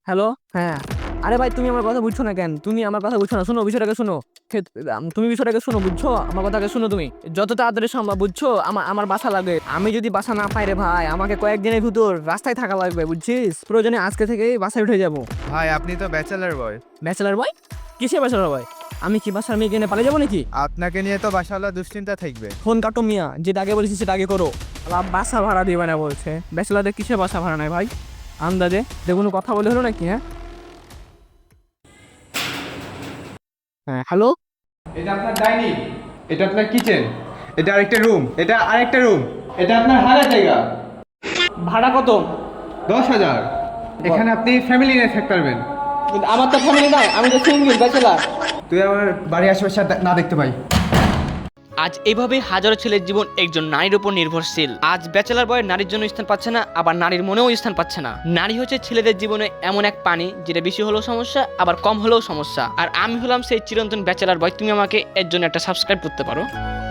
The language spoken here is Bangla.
হ্যালো। হ্যাঁ। আরে ভাই তুমি আমার কথা বুঝছো না কেন? তুমি আমার কথা বুঝছো না। শোনো বিষয়টাকে শোনো। তুমি বিষয়টাকে শোনো, বুঝছো? আমার কথাকে শোনো তুমি। যত তাড়াতাড়ি সম্ভব, বুঝছো? আমার বাসা লাগবে। আমি যদি বাসা না পাই রে ভাই, আমাকে কয়েকদিনের ভিতর রাস্তায় থাকা লাগবে, বুঝছিস? প্রয়োজনে আজকে থেকেই বাসায় উঠে যাবো। ভাই আপনি তো ব্যাচেলার বয়। Bachelor boy? কিসে ব্যাচেলার বয়? আমি কি বাসার মেয়ে কিনে পালিয়ে যাবো নাকি? আপনাকে নিয়ে তো বাসাওয়ালা দুশ্চিন্তা থাকবে। ফোন কাটো মিয়া, যেটা আগে বলেছি সেটা আগে করো। আবার বাসা ভাড়া দিবে না বলছে। ব্যাচেলারদের কিসে বাসা ভাড়া নেয় ভাই? আন্দাজে দেখুন, কথা বলে হলো নাকি? হ্যাঁ হ্যাঁ, হ্যালো। এটা আপনার ডাইনিং, এটা আপনার কিচেন, এটা আরেকটা রুম, এটা আরেকটা রুম, এটা আপনার হারা জায়গা। ভাড়া কত? 10,000। এখানে আপনি ফ্যামিলি নিয়ে থাকতে পারবেন। কিন্তু আমার তো ফ্যামিলি নাই, আমি তো সিঙ্গেল ব্যাচেলার। তুই আমার বাড়ির আশেপাশে না দেখতে পাই। আজ এইভাবে হাজারো ছেলের জীবন একজন নারীর উপর নির্ভরশীল। আজ ব্যাচেলার বয় নারীর জন্য স্থান পাচ্ছে না, আবার নারীর মনেও স্থান পাচ্ছে না। নারী হচ্ছে ছেলেদের জীবনে এমন এক পানি, যেটা বেশি হলেও সমস্যা, আবার কম হলেও সমস্যা। আর আমি হলাম সেই চিরন্তন ব্যাচেলার বয়। তুমি আমাকে এর জন্য একটা সাবস্ক্রাইব করতে পারো।